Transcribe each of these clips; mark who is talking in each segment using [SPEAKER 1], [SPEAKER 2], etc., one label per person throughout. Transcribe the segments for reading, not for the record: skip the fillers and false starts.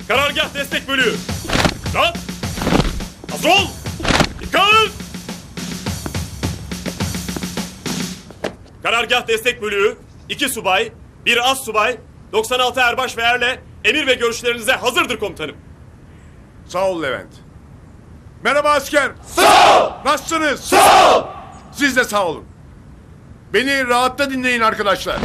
[SPEAKER 1] Karargah destek bölüğü. Rahat. Hazır ol. Dikkat. Karargah destek bölüğü, 2 subay, 1 az subay, 96 erbaş ve erle emir ve görüşlerinize hazırdır komutanım.
[SPEAKER 2] Sağ ol Levent. Merhaba asker.
[SPEAKER 1] Sağ ol.
[SPEAKER 2] Nasılsınız?
[SPEAKER 1] Sağ ol.
[SPEAKER 2] Siz de sağ olun. Beni rahatta dinleyin arkadaşlar.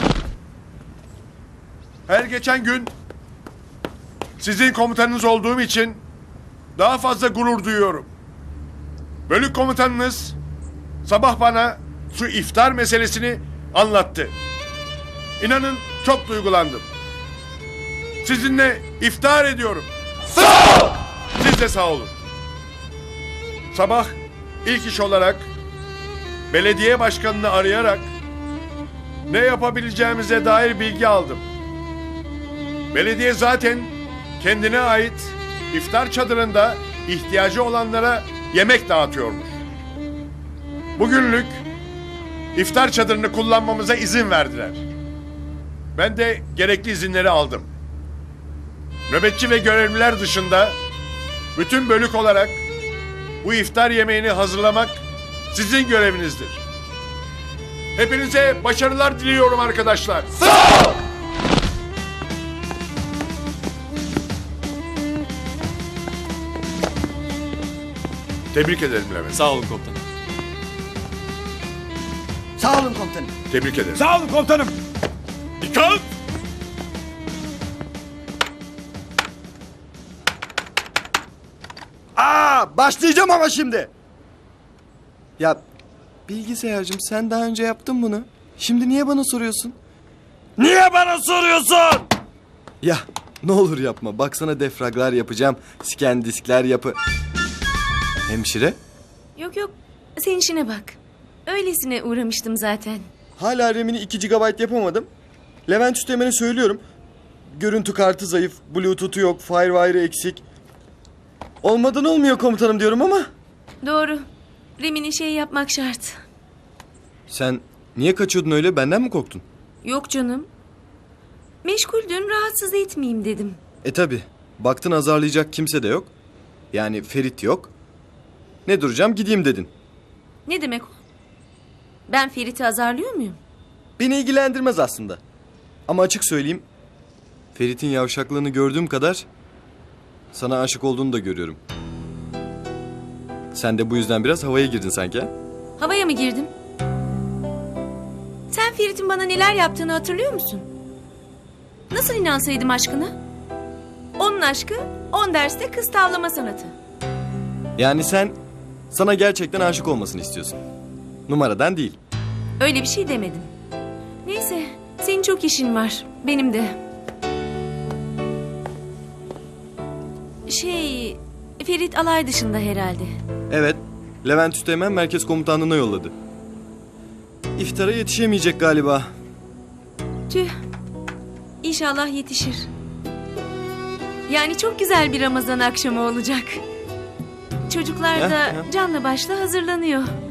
[SPEAKER 2] Her geçen gün sizin komutanınız olduğum için daha fazla gurur duyuyorum. Bölük komutanınız sabah bana şu iftar meselesini anlattı. İnanın çok duygulandım. Sizinle iftar ediyorum.
[SPEAKER 1] Sağ ol.
[SPEAKER 2] Siz de sağ olun. Sabah ilk iş olarak belediye başkanını arayarak ne yapabileceğimize dair bilgi aldım. Belediye zaten kendine ait iftar çadırında ihtiyacı olanlara yemek dağıtıyormuş. Bugünlük iftar çadırını kullanmamıza izin verdiler. Ben de gerekli izinleri aldım. Nöbetçi ve görevliler dışında bütün bölük olarak bu iftar yemeğini hazırlamak sizin görevinizdir. Hepinize başarılar diliyorum arkadaşlar.
[SPEAKER 1] Sağ ol.
[SPEAKER 2] Tebrik ederim Levent.
[SPEAKER 1] Sağ olun komutanım.
[SPEAKER 3] Sağ olun komutanım.
[SPEAKER 2] Tebrik ederim.
[SPEAKER 4] Sağ olun komutanım.
[SPEAKER 1] Dikkat.
[SPEAKER 3] Başlayacağım ama şimdi. Ya bilgisayarcığım sen daha önce yaptın bunu. Şimdi niye bana soruyorsun?
[SPEAKER 4] Niye bana soruyorsun?
[SPEAKER 3] Ya ne olur yapma. Baksana defraglar yapacağım. Scan diskler yapı. Hemşire?
[SPEAKER 5] Yok yok, sen işine bak. Öylesine uğramıştım zaten.
[SPEAKER 3] Hala RAM'ini 2 GB yapamadım. Levent Üsteğmen'e söylüyorum. Görüntü kartı zayıf, Bluetooth'u yok, Firewire'ı eksik. Olmadan olmuyor komutanım diyorum ama.
[SPEAKER 5] Doğru. Remini şey yapmak şart.
[SPEAKER 3] Sen niye kaçıyordun öyle? Benden mi korktun?
[SPEAKER 5] Yok canım. Meşguldün, rahatsız etmeyeyim dedim.
[SPEAKER 3] Tabi. Baktın azarlayacak kimse de yok. Yani Ferit yok. Ne duracağım gideyim dedin.
[SPEAKER 5] Ne demek o? Ben Ferit'i azarlıyor muyum?
[SPEAKER 3] Beni ilgilendirmez aslında. Ama açık söyleyeyim. Ferit'in yavşaklığını gördüğüm kadar sana aşık olduğunu da görüyorum. Sen de bu yüzden biraz havaya girdin sanki ha?
[SPEAKER 5] Havaya mı girdim? Sen Ferit'in bana neler yaptığını hatırlıyor musun? Nasıl inansaydım aşkına? Onun aşkı, 10 derste kız tavlama sanatı.
[SPEAKER 3] Yani sen sana gerçekten aşık olmasını istiyorsun. Numaradan değil.
[SPEAKER 5] Öyle bir şey demedim. Neyse, senin çok işin var. Benim de. Ferit alay dışında herhalde.
[SPEAKER 3] Evet. Levent Üsteğmen merkez komutanlığına yolladı. İftara yetişemeyecek galiba.
[SPEAKER 5] Tüh. İnşallah yetişir. Yani çok güzel bir Ramazan akşamı olacak. Çocuklar da canla başla hazırlanıyor.